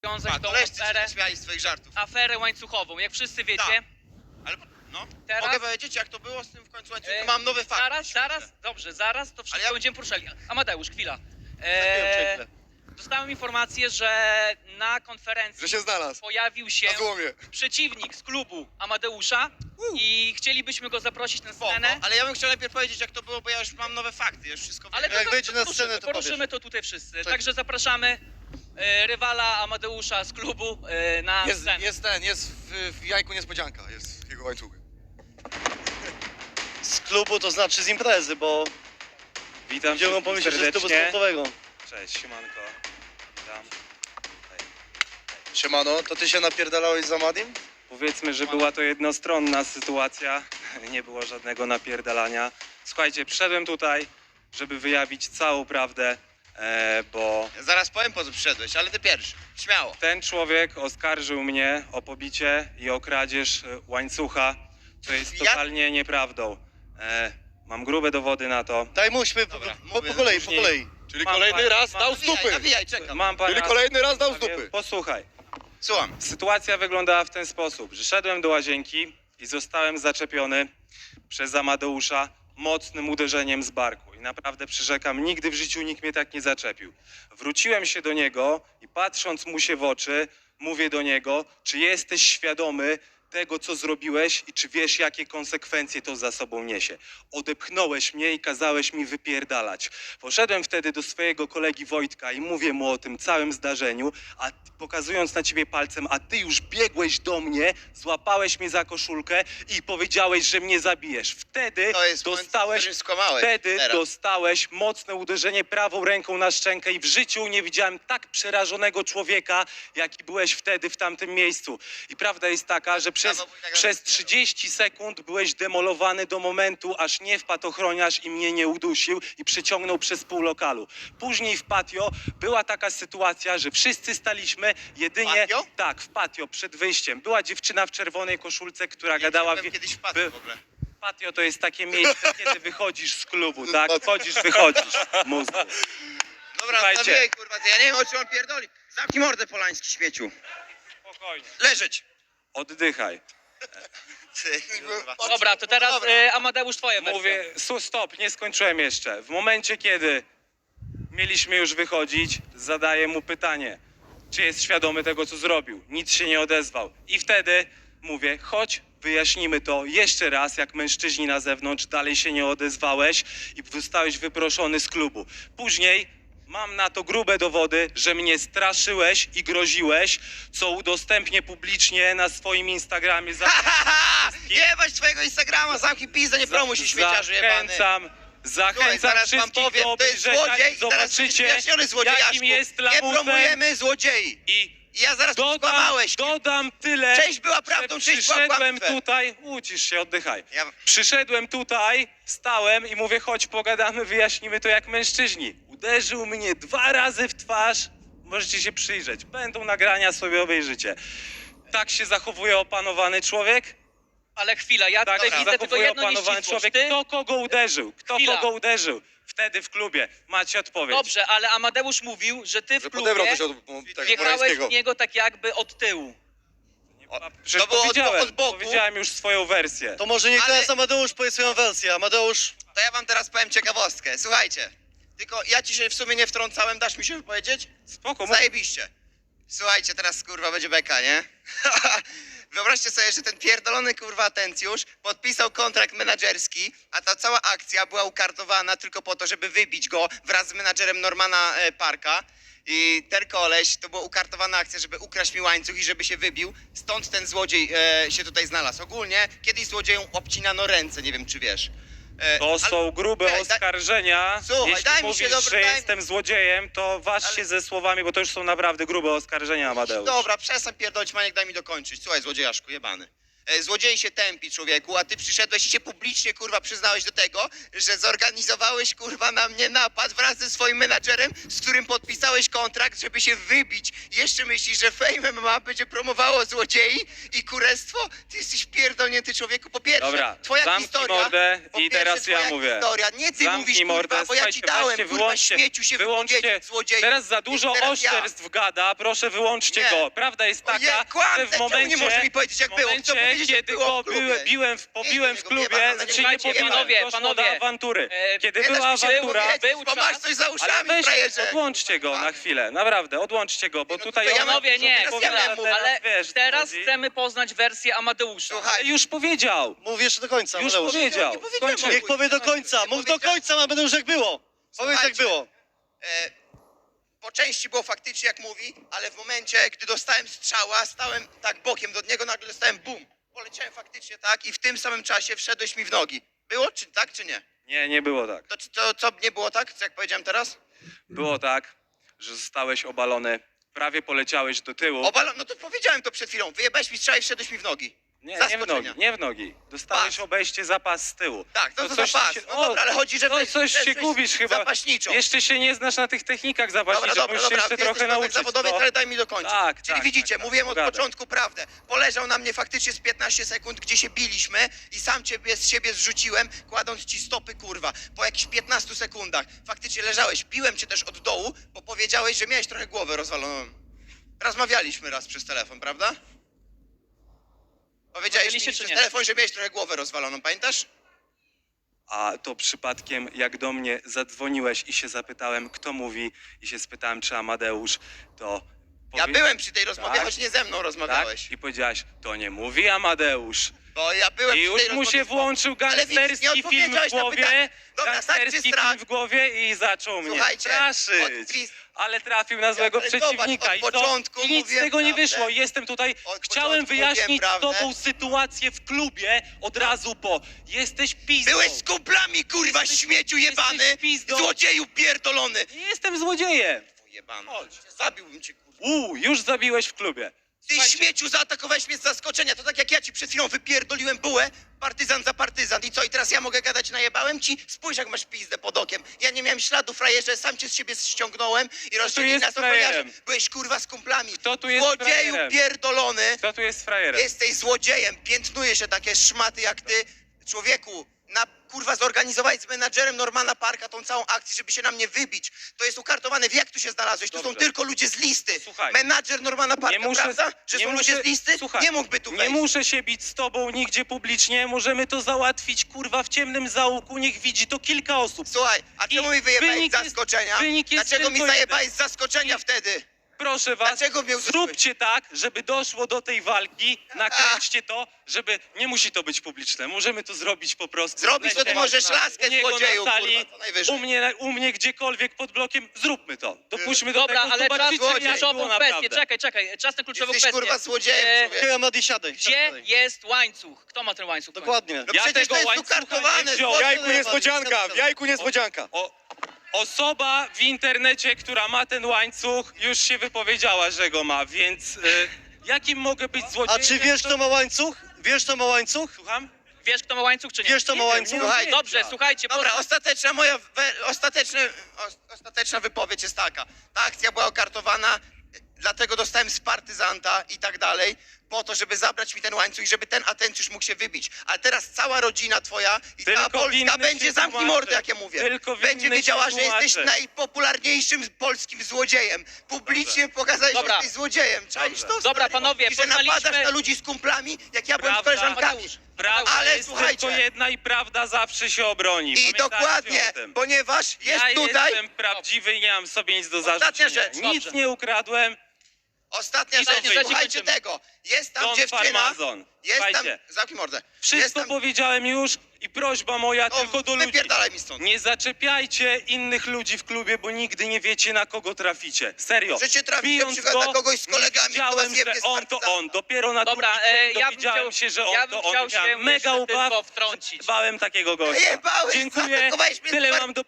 rozwiązać tą koleżcy się aferę, śmiali z twoich żartów. aferę łańcuchową. Jak wszyscy wiecie, Tak. Ale no, Teraz- mogę powiedzieć, jak to było z tym w końcu łańcuchu? Mam nowy fakt. zaraz to wszystko ja- będziemy poruszali. Amadeusz, chwila. Chwilę. Dostałem informację, że na konferencji Że się znalazł. pojawił się Na złomie. przeciwnik z klubu Amadeusza i chcielibyśmy go zaprosić na Spoko, scenę. ale ja bym chciał najpierw powiedzieć, jak to było, bo ja już mam nowe fakty, ja już wszystko Ale wiem. Jak wyjdzie na poruszymy, scenę, to poruszymy powiesz. to tutaj wszyscy. Tak. Także zapraszamy rywala Amadeusza z klubu na scenę. Jest w jajku niespodzianka, jest w jego łańcuchu. Z klubu to znaczy z imprezy, bo Witam będziemy wszystkich pomyśleć, że z klubu serdecznie. sportowego. Cześć, siemanko. Witam. Siemano, to ty się napierdalałeś za Madim? Powiedzmy, że była to jednostronna sytuacja. Nie było żadnego napierdalania. Słuchajcie, przyszedłem tutaj, żeby wyjawić całą prawdę, bo Ja zaraz powiem, po co przyszedłeś, ale ty pierwszy. Śmiało. ten człowiek oskarżył mnie o pobicie i o kradzież łańcucha, co jest Ja- totalnie nieprawdą. Mam grube dowody na to. Daj muśmy Dobra, po mówię, kolei, po później- kolei. Czyli Mam kolejny pan- raz mam- dał z dupy. Nawijaj, czekam. Mam parę Czyli kolejny raz dał z dupy. Posłuchaj. Słucham. Sytuacja wyglądała w ten sposób, że szedłem do łazienki i zostałem zaczepiony przez Amadeusza mocnym uderzeniem z barku. I naprawdę przyrzekam, nigdy w życiu nikt mnie tak nie zaczepił. Wróciłem się do niego i patrząc mu się w oczy, mówię do niego, czy jesteś świadomy tego, co zrobiłeś i czy wiesz, jakie konsekwencje to za sobą niesie. Odepchnąłeś mnie i kazałeś mi wypierdalać. Poszedłem wtedy do swojego kolegi Wojtka i mówię mu o tym całym zdarzeniu, a pokazując na ciebie palcem, a ty już biegłeś do mnie, złapałeś mnie za koszulkę i powiedziałeś, że mnie zabijesz. Wtedy To jest moment, w dostałeś, którym skłamałeś. wtedy Teraz. dostałeś mocne uderzenie prawą ręką na szczękę i w życiu nie widziałem tak przerażonego człowieka, jaki byłeś wtedy w tamtym miejscu. I prawda jest taka, że przez 30 sekund byłeś demolowany do momentu, aż nie wpadł ochroniarz i mnie nie udusił i przyciągnął przez pół lokalu. Później w patio była taka sytuacja, że wszyscy staliśmy jedynie... Patio? Tak, w patio, przed wyjściem. Była dziewczyna w czerwonej koszulce, która Ja gadała... byłem kiedyś wpadł by- w ogóle. Patio to jest takie miejsce, kiedy wychodzisz z klubu, tak? Wchodzisz, wychodzisz. Mózgu. Dobra, Słuchajcie. nawijaj, kurwa, ja nie wiem, o czym on pierdoli. Zamknij mordę, Polański, śmieciu. Spokojnie. Leżeć. Oddychaj. Ty, kurwa. Dobra, to teraz Dobra. Amadeusz, twoja wersja. Mówię, stop, nie skończyłem jeszcze. W momencie, kiedy mieliśmy już wychodzić, zadaję mu pytanie, czy jest świadomy tego, co zrobił. Nic się nie odezwał. I wtedy mówię, chodź, wyjaśnimy to jeszcze raz, jak mężczyźni na zewnątrz, dalej się nie odezwałeś i zostałeś wyproszony z klubu. Później mam na to grube dowody, że mnie straszyłeś i groziłeś, co udostępnię publicznie na swoim Instagramie. Jebać twojego Instagrama, zamknij pizdę, nie promuj się, śmieciarzu jebany. Zachęcam Słuchaj, zaraz wam wszystkich powiem, do to jest obejrzenia złodziej i i zaraz będziesz zobaczycie, wyjaśniony złodziejaszku. jakim jest Nie lamusem. promujemy złodziei. I I ja zaraz tu skłamałeś. dodam tyle, Część była że prawdą, część była przyszedłem kłamstwem. tutaj, ucisz się, oddychaj. Ja... Przyszedłem tutaj, stałem i mówię, chodź pogadamy, wyjaśnimy to jak mężczyźni. Uderzył mnie 2 razy w twarz, możecie się przyjrzeć, będą nagrania, sobie obejrzycie. Tak się zachowuje opanowany człowiek? Ale chwila, ja Tak tutaj się widzę tylko zachowuje jedno opanowany nieścisłość. człowiek. Ty? Kto kogo uderzył? Kto Chwila. kogo uderzył? Wtedy w klubie. Macie odpowiedź. Dobrze, ale Amadeusz mówił, że ty w Że klubie podebrał coś od tego wjechałeś Morańskiego. w niego tak jakby od tyłu. Przecież To było powiedziałem, od boku. powiedziałem już swoją wersję. To może niech Ale- teraz Amadeusz powie swoją wersję. Amadeusz, To ja wam teraz powiem ciekawostkę. Słuchajcie, tylko ja ci się w sumie nie wtrącałem, dasz mi się wypowiedzieć? Spoko, mów. Zajebiście. Słuchajcie, teraz kurwa będzie beka, nie? Wyobraźcie sobie, że ten pierdolony kurwa atencjusz podpisał kontrakt menadżerski, a ta cała akcja była ukartowana tylko po to, żeby wybić go wraz z menadżerem Normana Parka. I ten koleś, to była ukartowana akcja, żeby ukraść mi łańcuch i żeby się wybił. Stąd ten złodziej się tutaj znalazł. Ogólnie kiedyś złodziejom obcinano ręce, nie wiem czy wiesz. To są grube Czekaj, oskarżenia. Słuchaj, Jeśli daj mi się mówisz, dobrze, że daj mi- jestem złodziejem, to waż Ale- się ze słowami, bo to już są naprawdę grube oskarżenia, Amadeusz. Dobra, przestań pierdolić, Maniek, daj mi dokończyć. Słuchaj, złodziejaszku, jebany. Złodziej się tępi, człowieku, a ty przyszedłeś i się publicznie, kurwa, przyznałeś do tego, że zorganizowałeś, kurwa, na mnie napad wraz ze swoim menadżerem, z którym podpisałeś kontrakt, żeby się wybić. Jeszcze myślisz, że Fame MMA będzie promowało złodziei i kurestwo? Ty jesteś pierdolnięty, człowieku. Po pierwsze, Dobra, twoja zamknij historia... mordę po i pierwsze, teraz ja twoja mówię. historia. Nie ty Zamknij mówisz, mordę, kurwa, bo ja ci słuchajcie, dałem, weźcie, kurwa, śmieciu się wypowiedzieć, złodzieju. Teraz za dużo Teraz ja. oszczerstw gada, proszę wyłączcie Nie. go. Prawda jest taka, Ojej, kłamie, że w czemu momencie, nie możesz mi powiedzieć, jak w było? momencie, Chcę powiedzieć, jak kiedy było go w klubie. pobiłem w klubie, nie czy nie słuchajcie, pobiłem, doszło do panowie, awantury. Kiedy Nie była dasz mi się awantura, wypowiedzieć, był bo czas. masz coś za ale uszami, weź, frajerze. odłączcie go na chwilę, naprawdę, odłączcie go, bo no tutaj to ja on- Panowie, nie, teraz ja miałem mówić. ale wiesz, co teraz chodzi. chcemy poznać wersję Amadeusza. Słuchaj, Już powiedział, Mów jeszcze do końca, już Amadeusz. powiedział. Nie powiedziałem. Skończę. Niech powie do końca, mów do końca, Amadeusz, jak było. Powiedz, jak Słuchajcie. było. po części było faktycznie jak mówi, ale w momencie, gdy dostałem strzała, stałem tak bokiem do niego, nagle dostałem bum. Poleciałem faktycznie tak i w tym samym czasie wszedłeś mi w nogi. Było czy tak, czy nie? Nie, nie było tak. To co nie było tak, co jak powiedziałem teraz? Było tak, że zostałeś obalony, prawie poleciałeś do tyłu. No to powiedziałem to przed chwilą. Wyjebałeś mi strzał i wszedłeś mi w nogi. Nie, nie w Zaskoczenia. nogi, nie w nogi. Dostałeś Pas. obejście zapas z tyłu. Tak, to coś zapas. ci się- No dobra, ale chodzi, że no coś się jesteś gubisz chyba. zapaśniczą. Jeszcze się nie znasz na tych technikach Dobra, zapaśniczych, dobra, musisz się dobra, jeszcze ty trochę jesteś nauczyć. zawodowiec, co? ale daj mi dokończyć. Tak, Czyli tak, widzicie, tak, mówiłem od pogadaj. początku prawdę. Poleżał na mnie faktycznie z 15 sekund, gdzie się biliśmy i sam ciebie z siebie zrzuciłem, kładąc ci stopy, kurwa, po jakichś 15 sekundach. Faktycznie leżałeś, biłem cię też od dołu, bo powiedziałeś, że miałeś trochę głowę rozwaloną. Rozmawialiśmy raz przez telefon, prawda? Powiedziałeś mi Rozmawialiście, czy przez nie? telefon, że miałeś trochę głowę rozwaloną, pamiętasz? A to przypadkiem, jak do mnie zadzwoniłeś i się zapytałem, kto mówi, i się spytałem, czy Amadeusz, to... Ja byłem przy tej rozmowie, Tak? choć nie ze mną rozmawiałeś. Tak? I powiedziałaś, to nie mówi Amadeusz. Bo ja byłem I przy już tej mu rozmowie się z- włączył Ale widzisz, nie gangsterski film w odpowiedziałeś na pytanie. głowie, Dobra, tak czy gangsterski strach? film w głowie i zaczął mnie Słuchajcie, straszyć. od- Ale trafił na złego ale zobacz, przeciwnika od i co? początku I nic z mówiłem tego nie prawdę. wyszło. Jestem tutaj, Od chciałem początku wyjaśnić mówiłem z tobą prawdę. sytuację w klubie od razu po. Jesteś pizdą. Byłeś z kumplami, kurwa, śmieciu jebany! jesteś pizdą. Złodzieju pierdolony! Nie jestem złodziejem. Jebany. Chodź. Zabiłbym cię, kurwa. Już zabiłeś w klubie. Ty Słuchajcie, śmieciu zaatakowałeś mnie z zaskoczenia, to tak jak ja ci przed chwilą wypierdoliłem bułę, partyzan za partyzan. I co, i teraz ja mogę gadać, najebałem ci? Spójrz jak masz pizdę pod okiem. Ja nie miałem śladu, frajerze, sam cię z siebie ściągnąłem i rozdzielili jest nas ochroniarze. frajerem? Byłeś kurwa z kumplami. Kto tu jest Złodzieju frajerem? pierdolony! Kto tu jest frajerem? Jesteś złodziejem, piętnuje się takie szmaty jak ty. Człowieku, kurwa zorganizowałeś z menadżerem Normana Parka tą całą akcję, żeby się na mnie wybić. To jest ukartowane. Wie jak tu się znalazłeś? Tu są Dobrze. tylko ludzie z listy. Słuchaj. Menadżer Normana Parka, prawda? Że są ludzie z listy? Słuchaj, Nie mógłby tu nie wejść. muszę się bić z tobą nigdzie publicznie, możemy to załatwić, kurwa, w ciemnym zaułku, niech widzi to kilka osób. Słuchaj, a I czemu mi wyjebałeś wynik z jest- zaskoczenia? wynik jest Dlaczego mi tylko zajebałeś jeden. z zaskoczenia wtedy? Proszę was, Dlaczego mnie uderzyłeś? zróbcie tak, żeby doszło do tej walki, nakręćcie to, żeby, nie musi to być publiczne, możemy to zrobić po prostu. Zrobić to ty możesz laskę, u niego złodzieju, na sali, kurwa, to najwyżej. u mnie gdziekolwiek pod blokiem, zróbmy to. Dopuśćmy do Dobra, tego, ale czas zobaczycie, na jak było kluczową naprawdę. kwestię. Czekaj, czas na kluczową Jesteś kwestię. kurwa złodziejem, E, człowieku. Okej, Amadi, siadaj. Gdzie siadaj. jest łańcuch? Kto ma ten łańcuch? Dokładnie. No Ja przecież tego to jest łańcucha ukartowane. nie wziąłem. złodzieju, Jajku niespodzianka, Amadi. w jajku niespodzianka. Osoba w internecie, która ma ten łańcuch, już się wypowiedziała, że go ma, więc jakim mogę być A złodziejem? czy wiesz, kto ma łańcuch? Wiesz, kto ma łańcuch? Słucham? Wiesz, kto ma łańcuch, czy nie? Wiesz, kto ma Nie wiem, łańcuch? nie mam Słuchaj, pojęcia. Dobrze, słuchajcie, Dobra, ostateczna wypowiedź jest taka. Ta akcja była okartowana, dlatego dostałem z partyzanta i tak dalej, po to, żeby zabrać mi ten łańcuch i żeby ten atencjusz mógł się wybić. Ale teraz cała rodzina twoja i Tylko cała Polska winny będzie, się zamknij tłumaczy. mordę, jak ja mówię. Tylko winny Będzie się wiedziała, że jesteś tłumaczy. najpopularniejszym polskim złodziejem. Publicznie pokazałeś, że Dobra. jesteś złodziejem. Czaisz to? Dobra, stary? panowie, I że poznaliśmy- napadasz na ludzi z kumplami, jak ja byłem z Prawda. koleżankami. Prawda Ale jest słuchajcie. tylko jedna i prawda zawsze się obroni. I Pamiętajcie dokładnie, o tym. ponieważ jest Ja tutaj... jestem prawdziwy i nie mam sobie nic do Ostatnia zarzucenia. rzecz, Nic dobrze. nie ukradłem. Ostatnia I rzecz, trzeci słuchajcie kończymy. tego. Jest tam Don dziewczyna, Farmazon. jest tam... Słuchajcie, Zamknij mordę. Jest wszystko tam... powiedziałem już i prośba moja tylko do ludzi. Wypierdalaj mi stąd. Nie zaczepiajcie innych ludzi w klubie, bo nigdy nie wiecie, na kogo traficie. Serio. Możecie trafić na Bijąc przykład go, na kogoś z kolegami, nie kto wiedziałem, was jebnie że z on to partyzanta. on. Dopiero na Dobra, drugi dzień ja bym dowiedziałem chciał- się, że ja on bym to on. chciał się Miałem mega jeszcze ubaw, tylko wtrącić. bałem takiego gościa. Jebałeś, Dziękuję, zaatakowałeś mnie z tyle par- mam do powiedzenia.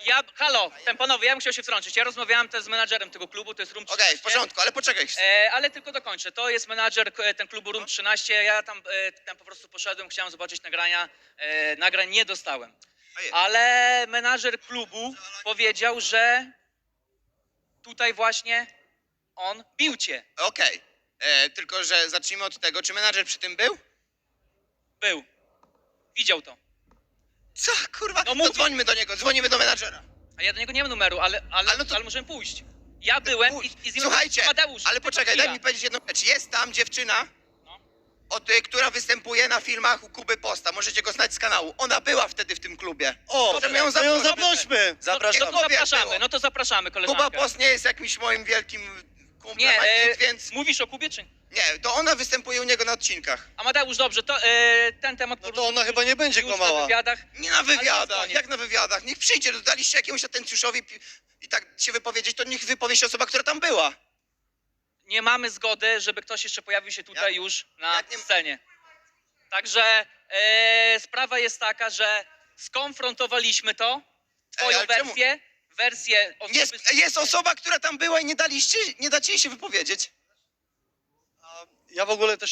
Halo, panowie, ja bym chciał się wtrącić. Ja rozmawiałem też z menadżerem tego klubu, to jest Room 13. Okej, w porządku, ale poczekaj. Ale tylko dokończę. To jest menadżer ten klubu Room 13. Ja tam po prostu poszedłem, chciałem zobaczyć nagrania. Nagrań nie dostałem. Ojej. Ale menadżer klubu powiedział, że tutaj właśnie on bił cię. Okej, tylko że zacznijmy od tego, czy menadżer przy tym był? Był. Widział to. Co, kurwa? No No mówi- dzwońmy do niego, dzwonimy do menadżera. A ja do niego nie mam numeru, ale no to- możemy pójść. Ja byłem i z nim Słuchajcie, Amadeusz, ale tylko poczekaj, chwila. daj mi powiedzieć jedną rzecz. Jest tam dziewczyna, No. która występuje na filmach u Kuby Posta. Możecie go znać z kanału. Ona była wtedy w tym klubie. O, Możemy ją to ją zaprosić. zaprośmy. Zapraszamy. No to zapraszamy, no to zapraszamy koleżankę. Kuba Post nie jest jakimś moim wielkim kumplem, Nie, ani nic, więc... mówisz o Kubie czy nie? Nie, to ona występuje u niego na odcinkach. Amadeusz, dobrze, to ten temat No to ona chyba nie będzie już na kłamała. wywiadach. Nie na Ale to wywiadach, koniec. jak na wywiadach? Niech przyjdzie, daliście jakiemuś atencjuszowi i tak się wypowiedzieć, to niech wypowie się osoba, która tam była. Nie mamy zgody, żeby ktoś jeszcze pojawił się tutaj już na jak nie- scenie. Także sprawa jest taka, że skonfrontowaliśmy to, twoją ale czemu? wersję osoby... Jest osoba, która tam była i nie dacie jej się wypowiedzieć. Ja w ogóle też